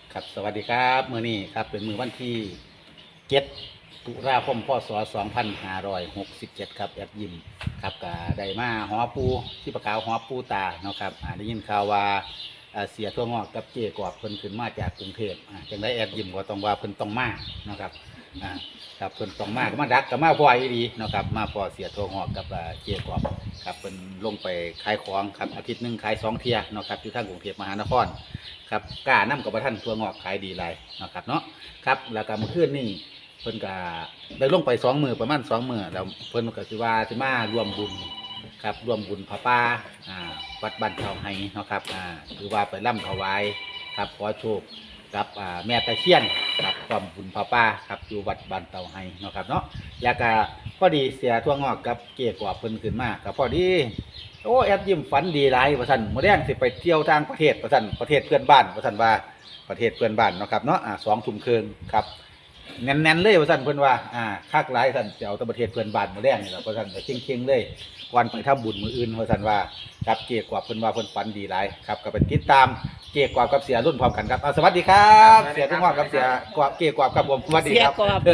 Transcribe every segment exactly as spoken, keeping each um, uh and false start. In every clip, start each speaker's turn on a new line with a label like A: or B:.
A: ครับสวัสดีครับมื้อนี้ครับเป็นมื้อวันที่เจ็ดตุลาคมพศสองพันห้าร้อยหกสิบเจ็ดครับแอดยิมครับก็ได้มาหอปูที่ประกาวหอปูตาเนาะครับอ่าได้ยินข่าวว่าอ่าเสียทั่วงอกกับเจกอบเพิ่นขึ้นมาจากกรุงเทพอ่าจังได้แอดยิมก็ต้องว่าเพิ่นต้องมาเนาะครับอ่าครับเพิ่นต้องมาก็มาดักก็มาพออีดีเนาะครับมาพอเสียทั่วงอกกับอ่าเจกอบครับเพิ่นลงไปขายของครับอาทิตย์หนึงขายสองเที่ยเนาะครับอยู่ทางกรุงเทพมหานครครับกล้านํกับท่านทั่วงอกขายดีหลายเนาะครับเนาะครับแล้วก็เมื่อคืนนี้เพิ่นก็ได้ลงไปสองมื้อประมาณสองมื้อแล้วเพิ่นก็สิว่าสิมารวมบุญครับรวมบุญพระป่าอ่าวัดบ้านเขาไห้เนาะครับอ่าคือว่าไปร่ำถวายครับขอโชคกับอ่าแม่ตะเคียนครับความบุญพระป่าครับอยู่วัดบ้านเตาไห้เนาะครับเนาะแล้วก็พอดีเสียทั่วงอกกับเกียกว่าเพิ่นขึ้นมาก็พอดีโอ้แอดยิ้มฝันดีหลายว่าซั่นมื้อแรงสิไปเที่ยวต่างประเทศว่าซั่นประเทศเพื่อนบ้านว่าซั่นว่าประเทศเพื่อนบ้านเนาะครับเนาะอ่าสองทุ่มครึ่งครับแน่นๆเลยว่าซั่นเพิ่นว่าอ่าคักหลายซั่นสิเอาแต่ประเทศเพื่อนบ้านมื้อแรงนี่ล่ะว่าซั่นก็เค็งๆเลยวันไปทำบุญมื้ออื่นว่าซั่นว่าครับเกียกว่าเพิ่นว่าเพิ่นฝันดีหลายครับก็ไปติดตามเกียกว่ากับเสียรุ่นพร้อมกันครับอ่าสวัสดีครับเสียทั่วงอกกับเสียกว่าเกียกว่าครับผมสวัสดีครับ
B: เสียกอบ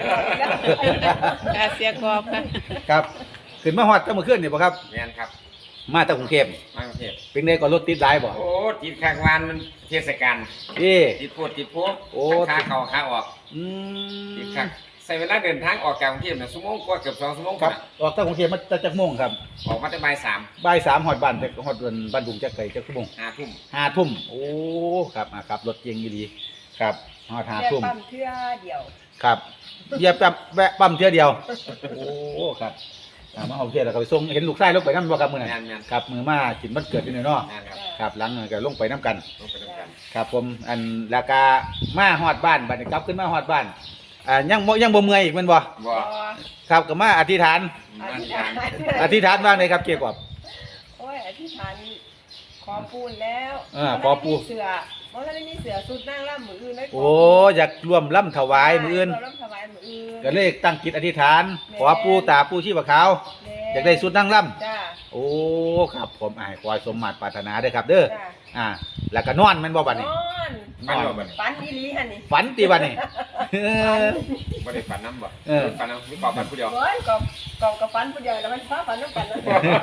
B: ค่ะเสียกอบค่ะ
A: ครับขึ้นมาฮอดแต่เมื่อคืนนี่บ่ครับ
C: แม่นครับ
A: มาจากกรุงเทพ
C: มากรุงเทพ
A: เป็นไงก็รถติดหลายบ่
C: โอ้ติดข้างวานมันเทศกาล
A: เอ้
C: ติดพูดติดพูด
A: โอ้
C: ทั้งขาเข้าขาออก
A: อื
C: ติด
A: ม
C: ข้างใส่เวลาเดินทางออกจากกรุงเทพน่ะชั่วโมงกว่าเกือบสองชั่วโมง
A: ครับ
C: น่ะ
A: ออกจากกรุงเทพมาจากจักโมงครับ
C: ออกมาแต่บ่ายสาม
A: บ่ายสามฮอดบ้านแต่ฮอดบ้านดุงจักไกลจักชั่วโมง
C: ห้าทุ่ม
A: ห้าทุ่มโอ้ครับอ่าครับรถเก่งดีครับฮอดห้า
B: เรียก
A: ทุ่ม
B: ปั๊มเทื่อเดียว
A: ครับเหยียบปั๊มแวะปั๊มเทื่อเดียวโอ้ครับอ่ามาเอาเทื่อแล้วก็ไปส่งเห็นลูกชายลงไปนำบ่ครับมื้อนั้น
C: แม่นแม่น
A: ครับมื้อมากินวันเกิดอยู่นี่เนาะ
C: แม่นครับ
A: ครับหลังนั้นก็ลงไปนํกัน
C: ลงไปด้วยกัน
A: ครับผมอันราคามาฮอดบ้านบัดนี้กลับขึ้นมาฮอดบ้านอ่ายังบ่ยังบ่เมื่อยอีกแม่นบ่
C: บ่
A: ครับก็มาอธิษฐาน
C: มาที่ทาง
A: อธิษฐานว่าไงครับเกี่ยวกับ
B: โอ้ยอธิษฐานขอปูนแล้ว
A: อ่าขอปูน
B: เสือเพราะเราได้มีเสือสุดนั่งล่ำมืออื่นได้
A: โอ้อยากร่วมล่ำถวายมื้ออื่น
B: เราล่ำถวายมืออื่น
A: ก็เลยตั้งจิตอธิษฐานขอปู่ตาปู่ชีพขาวอยากได้สุดนั่งล่
B: จ้า
A: ำโอ้ครับผมอ้ายขอให้สมมาตรปรารถนาเด้อครับเด้อ
B: จ้า
A: อ่าแล้วก็นอนแม่นบ่บัด
B: น
A: นี้
B: อน
C: ฝันบ่บัดนี้
B: ฝันอีหลีฮะนี่
A: ฝันติบัดนี้เออ
C: บ่ได้ฝันน้ำบ่
A: เออ
C: ฝันน้ำมีกอบฝันผู้เดียว
B: โอ้ยกอบกอบกับฝันผู้เดียวแล้วมันฟ้าฝันน้ำกันนะ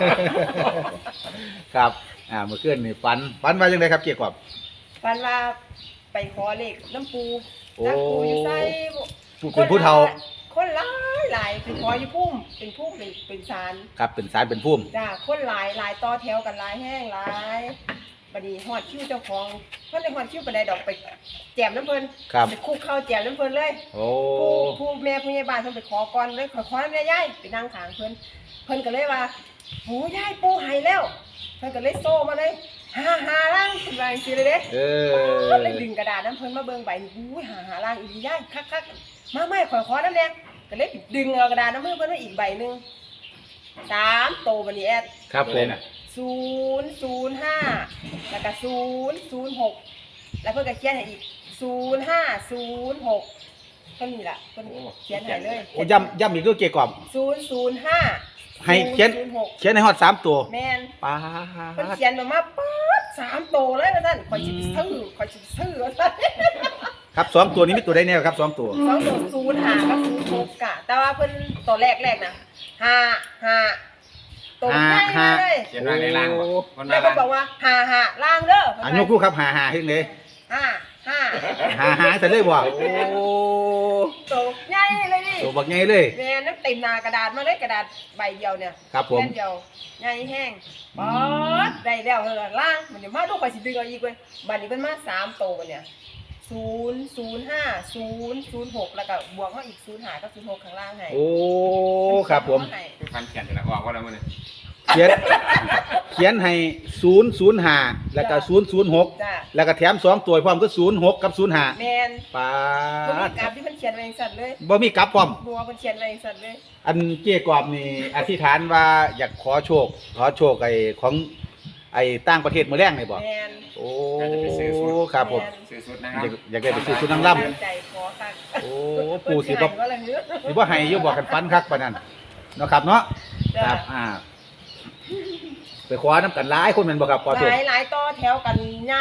A: ครับอ่าเมื่อคืนนี่ฝันฝันว่าจังไดครับเกี่ยวกับ
B: ฝันว่าไปขอเลขน้ำปู
A: โอ้
B: น้ำปูอยู่ไส
A: ผู้เป็นผู้เฒ่า
B: คนหลายหลายเป็นขออยู่พุ่มเป็นพุ่มเป็นเป็นศาล
A: ครับเป็นสารเป็นพุ่ม
B: จ้าคนหลายหลายต่อแถวกันหลายแห้งหลายบัดนี้ฮอดคิวเจ้าของเพิ่นได้ฮอดคิวปานใดดอกไปแจมน้ำเพิ่น
A: ครับ
B: ไปคุกเข้าแจมน้ำเพิ่นเลย
A: โอ้
B: ผู้ผู้แม่ผู้ใหญ่บ้านเพิ่นไปขอก่อนเลยขอขอน้ำยายไปนั่งข้างเพิ่นเพิ่นก็เลยว่าโหยายปู่ให้แล้วเพิ่นก็เลยโซ่มาเลยหาหาล่างเพิ่นว่าจังซี่เลยเด้
A: เอ
B: เพิ่น
A: อ
B: เลยดึงกระดาษน้ำเพิ่นมาเบิ่งใบนี่อุ้ยหาหาล่างอีหลียายคักๆมาไม่ขอขอน้ำแดงก็เลยดึงเอากระดาษน้ำเพิ่นเพิ่นมาอีกใบหนึงสามโตบัดนี้แอด
A: ครับผม
B: ศูนย์ศูนย์ห้าแล้วก็ศูนย์ศูนย์หกแล้วเพิ่นก็เขียนให้อีกศูนย์ห้าศูนย์หกเท่านี้ล่ะเพิ่นเขียนให้เลย
A: โอ้ย้ำย้ำอีกด้วยเกี่ยวกับ
B: ศูนย์ศูนย์ห้า
A: ให้เขียน
B: ศูนย์หก
A: เขียนในฮอดสามตัว
B: แม่น
A: ป้า
B: เพิ่น
A: ด
B: เขียนมามาป๊าดสามโตเลยว่าซั่นข่อยสิไปซื้อข่อยสิไปซื้อว่าซั่น
A: ครับสองตัวนี้มีตัวใดแน่ครับสองตัว
B: สองตัวศูนย์ห้ากับศูนย์หกกะแต่ว่าเพิ่นตัวแรกแรกๆน่ะห้าห้าตัวใหญ่มาเลย
C: เขียนว่าในล่างบ่คน
B: แล้ว
C: ว่า
B: เพิ่นบอกว่าห้าห้าล่างเด้อ
A: อ่ะยกคู่ครับหาหาเฮ็ดเลย
B: ห้าห้า
A: หาหาแต่เลยบ่โอ้
B: โตใหญ่เลยนี่
A: ตัวบักใหญ่เลย
B: แม่นั่นเต็มหน้ากระดาษมาเลยกระดาษใบเดียวเนี่ย
A: ครับผม
B: แผ่นเดียวใหญ่แห้งป๊อดได้แล้วเท่านั้นล่างมันเดี๋ยวมาดูข่อยสิดึงเอาอีกเว้ยบัดนี้เพิ่นมาสามโตบัดเนี่ยศูนย์ศูนย์ห้าศูนย์ศูนย์หกแล้วก็บวกมาอีกศูนย์ห้ากับศูนย์หกข้างล่างให้
A: โอ้ครับผม
B: ให้
C: คือฝันเขียนแต่ละออกว่าแล้วมื้อนี้
A: เขียนเขียนให้ศูนย์ ศูนย์ ห้าแล้วก็ศูนย์ ศูนย์ หก
B: จ้า
A: แล้วก็แถมสองตัวพร้อมก็ศูนย์ หกกับศูนย์ ห้า
B: แม่น
A: ป้า
B: เพิ่นมี
A: ด
B: กราฟที่เพิ่นเขียนไว้จังซั่นเลย
A: บ่มีกลับพร้อม
B: บัวเพิ่นเขียนไว้จังซั่นเลย
A: อันเกี่ยกรอบนี่อธิษฐานว่าอยากขอโชค ขอโชคไอ้ของไอ้ต่างประเทศมื้อแรงนี่บ่
B: แม่น
A: โอ้ครับผม
C: ซื้อสุดนะครั
A: อยา
C: บ
A: กอยากได้ไปซื้อชุดนางรำ
B: ตั้งใจขอคัก
A: โอ้ปู่สิบ่
B: เพิ่นให้ว่าละเฮ้อ
A: สิบ่ให้อยู่บอกกันฟันคักปานนั้นเนาะครับเนาะ
B: จ้ะ
A: ครับอ่าไปขอน้ำกันหลายคนแม่นบ่ครับขอ
B: ห
A: โชค
B: ลายหลายต่อแถวกันญาติคิว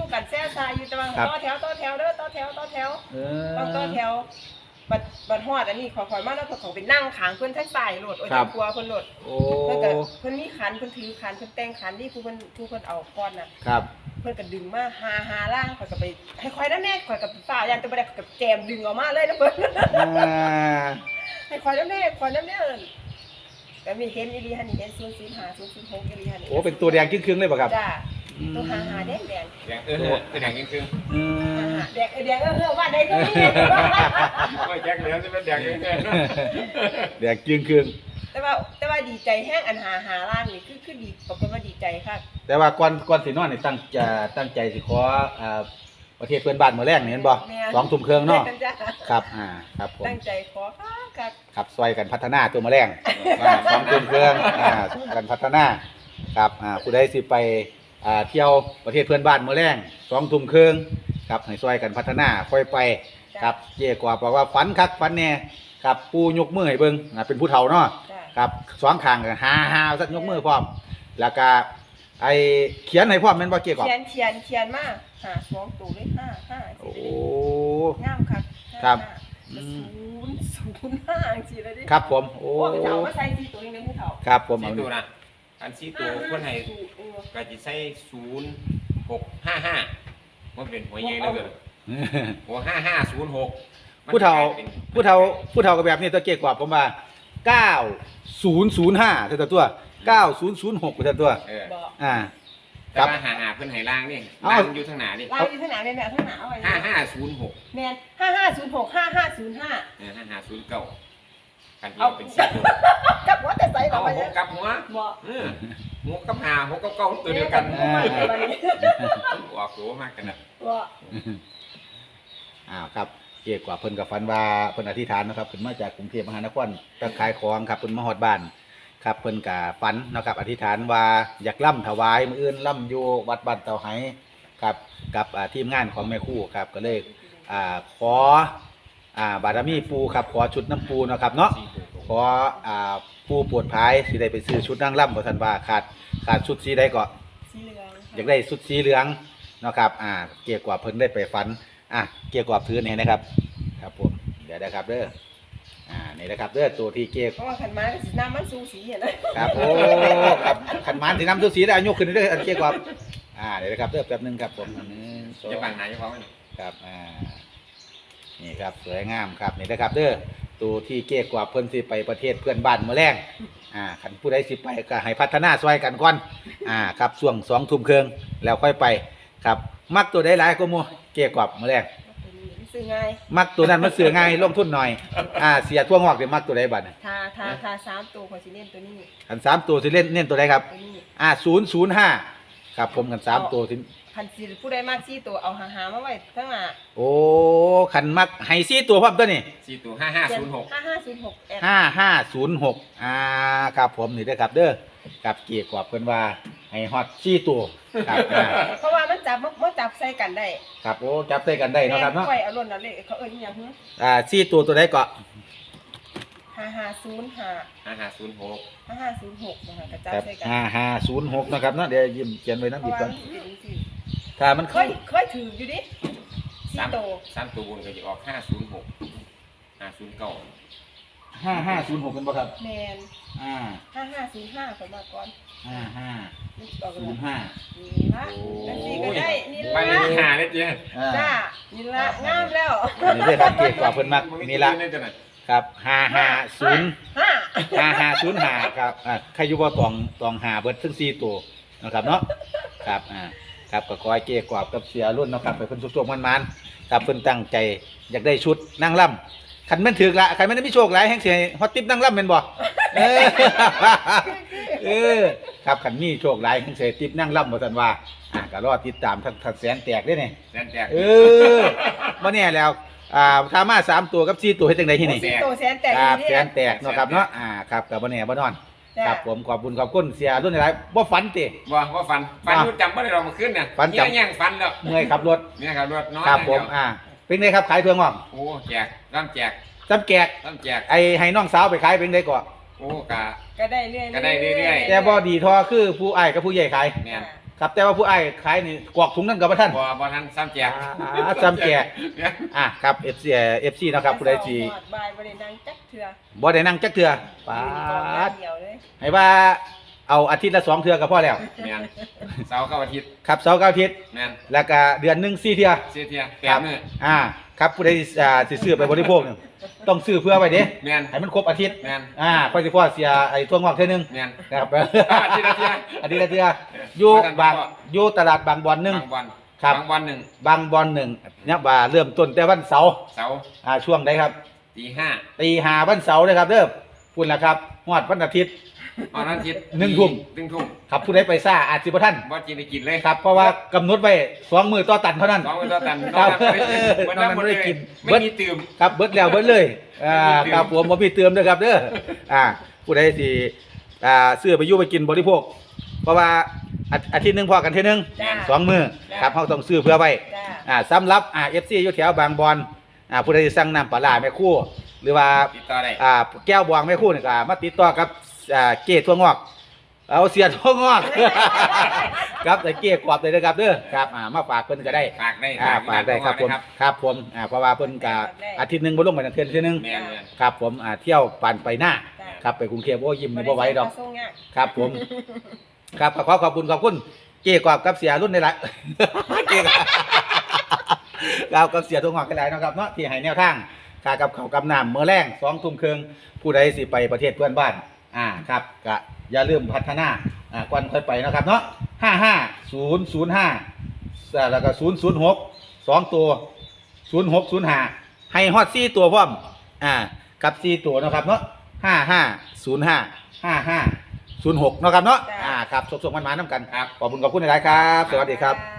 B: กันแซ่ซาอยู่แต่ว่า
A: ครับ
B: ต่อแถวต่อแถวเด้อต่อแถวต่อแถว
A: เอ
B: ต้องต่อ
A: อ
B: แถวบัดบัดฮอดอันนี้ขอขอยมาแล้วเพิ่นเขาไปนั่งขางเพิ่นทั้งสายโหลดโอ้ย
A: ครับ
B: กลัวเพิ่นโหลด
A: โอ้
B: เพิ่นก็เพิ่นมีขันเพิ่นถือขันเพิ่นแต่งขันนี่ผู้เพิ่นผู้เพิ่นเอาก้อนน่ะ
A: ครับ
B: เพิ่นก็ดึงมาหาหาล่างข่อยก็ไปให้ข่อยนำแน่ข่อยก็ฝ่ายันแต่บ่ได้ข่อยก็แจมดึงออกมาเลยนะเพิ่น
A: อ่า
B: ให้ข่อยนำแน่ข่อยนำแน่เอิ้นก็มีเห็นอีหลีหั่นนี่เห็นศูนย์ ศูนย์ ห้า ศูนย์ ศูนย์ หกอีหลีหั่นนี่
A: โอ้เป็นตัวแดงครึ่งๆเลยป่ะครับ
B: จ้าตัวหาหาแดงแดง
C: แดงเออคือแดงจริง
A: อื
B: หาม หาแดงเออแดงเออเออว่าได้ก็มี
C: ๆไม่แจ็คเหลือจะเป็นแดงจริง
A: แดงครึ่ง
B: แต่ว่าแต่ว่าดีใจแห้งอันหาหาล่างนี่คือคือดีปรากฏว่าดีใจค่ะ
A: ๆแต่ว่าก่อนก่อนสินอนนี่ตั้งจะตั้งใจสิขออ่าประเทศเพื่อนบ้านมื้อแรกนี่เห็นบ่
B: แม่
A: สองทุ่มครึ่งเนาะ
B: ตั้งใจ
A: ครับอ่าครับผม
B: ตั้งใจขอค่ะค่ะ
A: ครับซอยกันพัฒนาตัวมื้อแรงอ่าสองทุ่มครึ่งอ่าซอยกันพัฒนาครับอ่าผู้ใดสิไปอ่าเที่ยวประเทศเพื่อนบ้านมื้อแรงสองทุ่มครึ่งครับให้ซอยกันพัฒนาค่อยไปครับเจ๊กว่าบอกว่าฝันคักฝันแน่ครับปู่ยกมือให้เบิ่งอ่าเป็นผู้เฒ่าเนาะ
B: จ้ะ
A: ครับสองข้างก็หาหาสักยกมือพร้อม แล้วก็ไอเขียนให้พร้อมแม่นบ่เกี่ยวกับ
B: เขียนเขียนเขียนมาหาสองตัวเลยห้าห้า
A: โอ้
B: งามค่ะ
A: ครับ
B: ศู
A: อืม
B: นย์ศูนย์ห้าสิเลยดิ
A: ครับผมโอ้
B: โอ้ผู้เฒ่าก็ใส่สี่ตัวเองเลยผู้เฒ่า
A: ครับผม
C: ๆ
A: เอา
C: สี่ตัวนะอันสี่ตัวคนให้
B: เออ
C: ก็จะใช้ศูนย์หกห้าห้ามันเป็นหัวใหญ่แล้วเกินหัวห้าห้าศูนย์หก
A: ผู้เฒ่าผู้เฒ่าผู้เฒ่าก็แบบนี้ตัวเกี่ยวกับผมว่าเก้าศูนย์ศูนย์ห้าเท่าตัวเก้าศูนย์ศูนย์หกเท่าตัว
C: เออ
B: บอก
A: อ่า
C: แต่ว่าหาหาเพิ่นให้ล่างนี่
A: เอ้า
C: ล่างอยู่ทางหน้านี่
B: ลายอยู่ทางไหนแม่แม่ทางหนาเอาไว้
C: ห้าห้าศูนย์หก
B: แม่นห้าห้าศูนย์หกห้าห้าศูนย์ห้า
C: เออห้าห้าศูนย์เก้ากันที่เป็นสี่ตัว
B: กับหัวแต่ใส่กั
C: เอา
B: บไป
C: ห
B: เนี่ย
C: กกับหัว
B: บอก
C: เออหัวกับหาหัวกับเก้าตัวเดียวกัน
B: แม่กับหัวมันนี่
C: ออกตัวมากกันนะ
B: บอก
A: อ้าวครับเกี่ยวกับเพิ่นกับฟันว่าเพิ่นอธิษฐานนะครับเพิ่นมาจากกรุงเทพมหานครตะขายของครับเพิ่นมาฮอดบ้าน ครับเพิ่นกะฝันนะครับอธิษฐานว่าอยากล่ำถวายมื้ออื่นล่ำอยู่วัดบ้านเตาไหครับกับอ่าทีมงานของแม่ครู่ครับก็เลยอ่าขออ่าบารมีปูครับขอชุดน้ำปูเนาะครับเนาะ
C: สี่ตัวตรง
A: ขออ่าปูปวดภายสิได้ไปซื้อชุดนางล่ำบ่ทันว่าขาดขาดชุดสีใดก็
B: สีเหลือง
A: อยากได้ชุดสีเหลืองเนาะครับอ่าเกี่ยวกับเพิ่นได้ไปฝันอ่ะเกี่ยวกับถือนี่นะครับครับผมเดี๋ยวนะครับเด้ออ่านี่นะครับเด้อตัวที่เกี่ยว
B: เพราะว่าขันไม้สีน้ำมันสูสีเห็นไหม
A: ครับโอ้ครับขันหมันสีน้ำตัวสีได้อายุขึ้นเรื่อยๆอันเกี่ยวกับอ่าเดี๋ยวนะครับเริ่มแป๊บหนึงครับผมอันหนึงสอง
C: จะบังไหนเฉพาะมัน
A: ครับอ่านี่ครับสวยงามครับนี่นะครับเด้อตัวที่เกี่ยวกับเพิ่นสิไปประเทศเพื่อนบ้านเมื่อแรงอ่าขันผู้ใดสิไปก็ให้พัฒนาซอยกันก่อนอ่าครับช่วงสองทุ่มครึ่งแล้วค่อยไปครับมักตัวใดหลายก็มัวเกี่ยวกับเมื่อแรง
B: ซื้อง่าย
A: มักตัวนั้นมันเสือง่ายลงทุนหน่อยอ่าเสียทั่วงอกเดี๋ยวมักตัวใดบัดน่ะ
B: ทาทาทาสามตัวของสิเล่นตัวนี้
A: ขันสามตัวสิเล่นเน้นตัวใดครับ
B: ตัวนี้
A: อ่าศูนย์ศูนย์ห้าครับผมกันสามตัวสิ
B: ขันสีผู้ใดมากสี่ตัวเอาหาหามาไว้ข้างหน้า
A: โอ้ขันมักไฮซี่ตัวพร้อมตัวนี่
C: สี่ตัวห้าห้าศูนย์หก
B: ห้าห้าศูนย์หกแอด
A: ห้าห้าศูนย์หกอ่าครับผมนี่เด้อครับเด้อกับเกียร์กว่าเพิ่นว่าให้ฮอตซี่ตัวครับอ่า
B: เพราะว่ามันจับมันจับใส่กันได้
A: ครับโอ้จับใส่กันได้เนาะครับเนาะ
B: แม่ค่อยเอาล้นเอาเลยเขาเอิ้นอิหยังหึ
A: อ่าซี่ตัวตัวใดก็
B: ห้าห้าศูนย์ห้า
C: ห้าห้าศูนย์หก
B: ห้าห้าศูนย์หกนะคะกระจับ
A: ครับ
B: ใส่กัน
A: ห้าห้าศูนย์หกนะครับเนาะเดี๋ยวยิ้มเขียนไว้
B: เพ
A: น้ำ
B: ราะ
A: อีก
B: ว่า
A: ก่อน
B: มันเป็นสิ
A: ถ้ามัน
B: เคยเคยถืออยู่ดิสี่
C: สาม
B: โต
C: สามตัวบนก็จะออกห้าศูนย์หกห้าศูนย์เก้า
A: ห้าห้าศูนย์หกกันบ่ครับ
B: แมน
A: อ่า
B: ห้าห้าศูนย์ห้าคนมาก่อน
A: ห้าห้า
B: นี่ออก
A: ศู
B: มาน
A: ย์ห้า
B: นี่ละ
A: โอ้
B: จังซี่ก็ได้นี่
C: บ้าน
B: ละ
C: นี้หาได้เจ๊
A: อ่า
B: จ้านี่ละงามแล้ว
A: นี่เด้อครับเกียร์กว่าเพิ่นมักนี่ละ
C: นี่จะไหน
A: ครับห้าห้าศูนย์
B: ห้า
A: ห้าห้าศูนย์ห้าครับอ่าใครอยู่บ่ตองตองหาเบิดทั้งสี่ตัวนะครับเนาะครับอ่าครับก็ขอให้เกียร์กว่ากับเสียรุ่นเนาะครับไปเพิ่นสุกๆมันๆครับเพิ่นตั้งใจอยากได้ชุดนั่งล่ำคันแม่นถึกละคันแม่นได้มีโชคหลายแห่งสิให้ฮอตติ๊บนั่งล่ำแม่นบ่เออ เออครับขันมีโชคหลายขันเสติบนั่งล่ำบ่ทันว่าอ่ะก็รอติดตามทั้งทั้งแสนแตกได้นี่
C: แสนแตก
A: เออบ่แน่แล้วอ่าถ้ามาสามตัวกับสี่ตัวเฮ็ดจังได๋ที่นี่
B: สี่โตแสนแตก
A: ครับ
B: นี่
A: แสนแตกเนาะครับเนาะอ่าครับก็บ่แน่บ่นอน
B: จ้า
A: ครับผมขอบคุณขอบคุณเสียรุ่นหลายบ่ฝันติ
C: ว่าว่าฟันฟันรู้จำว่าเรามาขึ้นเนี่ย
A: ฟันจำ
C: เงี้ยย่างฟันแล้ว
A: เมื่อยขับรถ
C: เนี่ยครับรถน้อย
A: ครับผมอ่าเป็นไงครับขายเพื่องออก
C: โอ้แจกร่ำแจก
A: จำแกก
C: ร่ำแจก
A: ไอ้ให้น้องสาวไปขายเป็นไดก่อน
C: โอ้กะ
B: ก็ได้เรื่อยๆ
C: ก็ได้เรื่อยๆ
A: แต่บ่ดีทอคือผู้อ้ายกับผู้ใหญ่ขาย
C: เนี่ย
A: คครับแต่ว่าผู้อ้ายขายนี่กวอกถุงนั่นกับพระท่าน
C: บ่บ่ทันซ้ำแจก
A: อ่าซ้ำแจก อ่ะครับ เอฟ ซี เอฟ ซี นะครับผู้ใดสิ
B: หอดบายบ่ได้นั่งจักเทื่อ
A: บ่ได้นั่งจักเทื่อปา
B: ยืนกองอย่า
A: ด
B: งเดียวเลย
A: ให้ว่าเอาอาทิตย์ละสองเทื่อก็พอแล้ว
C: แม่นเสาร์กับอาทิตย์
A: ครับเสาร์กับอาทิตย์
C: แม่น
A: แล้วก็เดือนหนึงสี่เทื่อ
C: เสียเทียแป
A: ครั
C: ด
A: บ
C: มื้อ
A: อ่าครับผู้ใดอ่าสิซื้อไปบริโภคเนี่ยต้องซื้อเพื่อไว้เด้
C: แม่น
A: ให้มันครบอาทิตย์
C: แม่น
A: อ่าค่อยสิพ่อเสียไอ้ทั่วงอกเท่อนึง
C: แม่น
A: ครับ
C: อาทิตย์ละเทื่อ
A: อาทิตย์ละเทื่ออยู่บางอยู่ตลาดบางบอนหนึง
C: บางวัน
A: ครับ
C: บางวันหนึ่ง
A: บางบอนหนึ่งเนี่ยว่าเริ่มต้นแต่วันเสาร์
C: เสาร์
A: อ่าช่วงใดครับ
C: ตีห้า
A: ตีห้าวันเสาร์เลยครับเด้อพุ่นละครับฮอดวันอาทิตย์
C: วันอาทิตย์
A: หนึ่งทุ่ม
C: หนึ่งทุ่ม
A: ครับผู้ใดไปซ่าอาจสิบ่ทัน
C: บ่กินได้กินเลย
A: ครับเพราะว่ากำหนดไว้สองมื้อต่อตันเท่านั้น
C: สองวันต่อตัน
A: ครับ
C: นอกนั้นไม่ได้กิน
A: นอกนั้นไม่ได้กิน
C: ไม่มีตื่ม
A: ครับเบิดแล้วเบิดเลยอ่า
C: ไม่มีเติม
A: ครับผมบ่มีเติมเด้อครับเด้ออ่าผู้ใดสิอ่าซื้อไปอยู่ไปกินบริโภค เพราะว่าอาอาทิตย์หนึงพอกันเทื่อนึง
B: จ้า
A: สองมื้อครับเฮาต้องซื้อเพื่อไว้
B: จ้า
A: อ่าสำหรับอ่า เอฟ ซี อยู่แถวบางบอนอ่าผู้ใดสิสั่งน้ำปลาร้าแม่ครู่หรือว่า
C: ติดต่อได้
A: อ่าแก้วบวงแม่ครู่นี่ก็มาติดต่อกับอ่าเก้ทั่วงอก เอาเสียทั่วงอก ครับแต่เก้กวาดเลยนะครับเด้อครับอ่ามาฝากเพิ่นก็ได้
C: ฝากได้
A: อ่าฝากได้ครับผม
C: ครับ
A: ครับผมอ่าเพราะว่าเพิ่นก็อาทิตย์หนึงบ่ลงไปนั่นเทื่อเทื่อนึง
C: แม่นแม่น
A: ครับผมอ่าเที่ยวปั่นไปหน้า
B: จ้า
A: ครับไปกรุงเทพโอ้ยิ้มนี่บ่ไหวดอก
B: ส่งยาก
A: ครับผม ครับขอขอบคุณขอบคุณเก้กวาดกับเสียรุ่นในละ เก้กวาดเรากับเสียทั่วงอกกันหลายเนาะครับเนาะที่ให้แนวทางค่ากับข้าวกับน้ำมื้อแรงสองทุ่มครึ่งผู้ใดสิไปประเทศเพื่อนบ้านอ่าครับก็อย่าลืมพัฒนาอ่าก่อนค่อยไปเนาะครับเนาะห้าห้าศูนย์ศูนย์ห้าแล้วก็ศูนย์ศูนย์หกสองตัวศูนย์หกศูนย์ห้าให้ฮอดสี่ตัวพร้อมอ่ากับสี่ตัวเนาะครับเนาะห้าห้าศูนย์ห้าห้าห้าศูนย์หกเนาะครับเนาะอ่าครับส่งๆมันมาน้ำกัน
C: ครับ
A: ขอบคุณขอบคุณหลายๆครับ สวัสดีครับ
B: จ้า